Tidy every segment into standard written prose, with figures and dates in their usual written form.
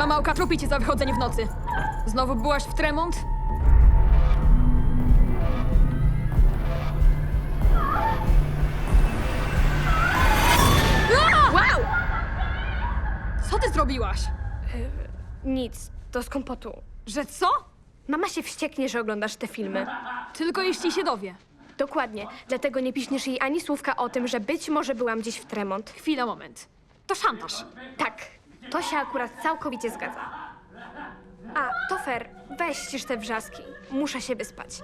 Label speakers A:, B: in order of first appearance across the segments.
A: małka trupi cię za wychodzenie w nocy. Znowu byłaś w Tremont? Wow! Co ty zrobiłaś?
B: Nic, to z kompotu.
A: Że co?
B: Mama się wścieknie, że oglądasz te filmy.
A: Tylko jeśli się dowie.
B: Dokładnie, dlatego nie piśniesz jej ani słówka o tym, że być może byłam gdzieś w Tremont.
A: Chwila, moment. To szantaż.
B: Tak, to się akurat całkowicie zgadza. A, to fair, weź ścisz te wrzaski. Muszę się wyspać.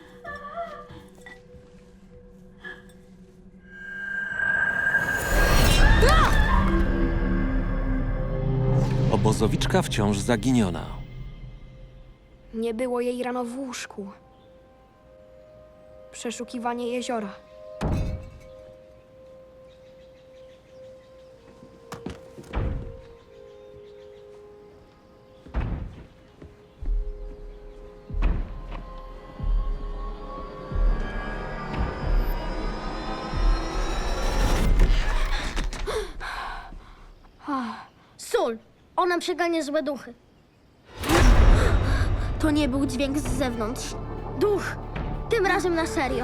C: Obozowiczka wciąż zaginiona.
B: Nie było jej rano w łóżku. Przeszukiwanie jeziora.
D: Sól! Ona przegania złe duchy. To nie był dźwięk z zewnątrz. Duch! Tym razem na serio.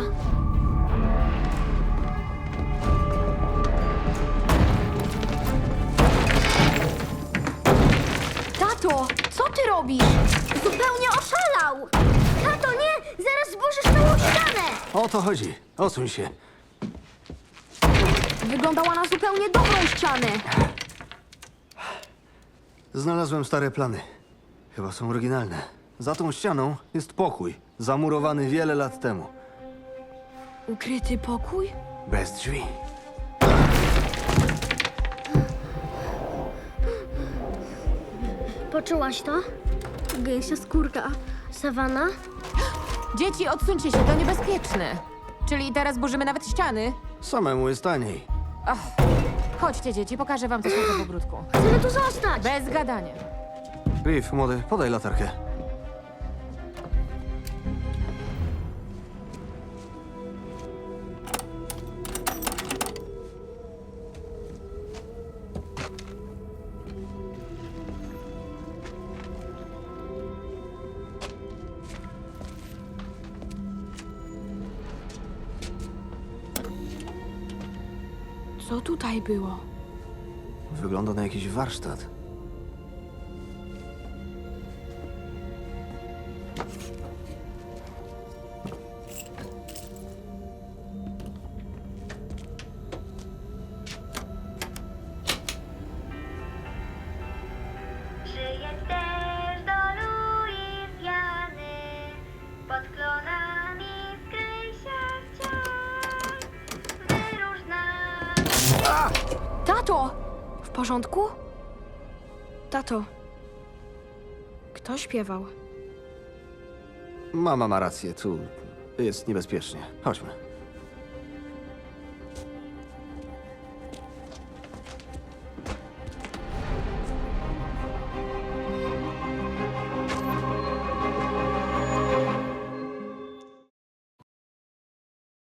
B: Tato, co ty robisz?
D: Zupełnie oszalał! Tato, nie! Zaraz zburzysz całą ścianę!
E: O to chodzi. Odsuń się.
B: Wyglądała na zupełnie dobrą ścianę.
E: Znalazłem stare plany. Chyba są oryginalne. Za tą ścianą jest pokój, zamurowany wiele lat temu.
B: Ukryty pokój?
E: Bez drzwi.
D: Poczułaś to? Gęsia skórka. Sawana?
F: Dzieci, odsuńcie się, to niebezpieczne. Czyli teraz burzymy nawet ściany?
E: Samemu jest taniej.
F: Chodźcie, dzieci, pokażę wam coś na tym ogródku.
D: Chcemy tu zostać!
F: Bez gadania.
E: Griff, młody, podaj latarkę.
B: Co tutaj było?
E: Wygląda na jakiś warsztat.
G: Przyjedź też do Luizjany, pod klonami skryj się wciąż, wyróż nas.
B: Tato! W porządku? Tato. Kto śpiewał?
E: Mama ma rację, tu jest niebezpiecznie. Chodźmy.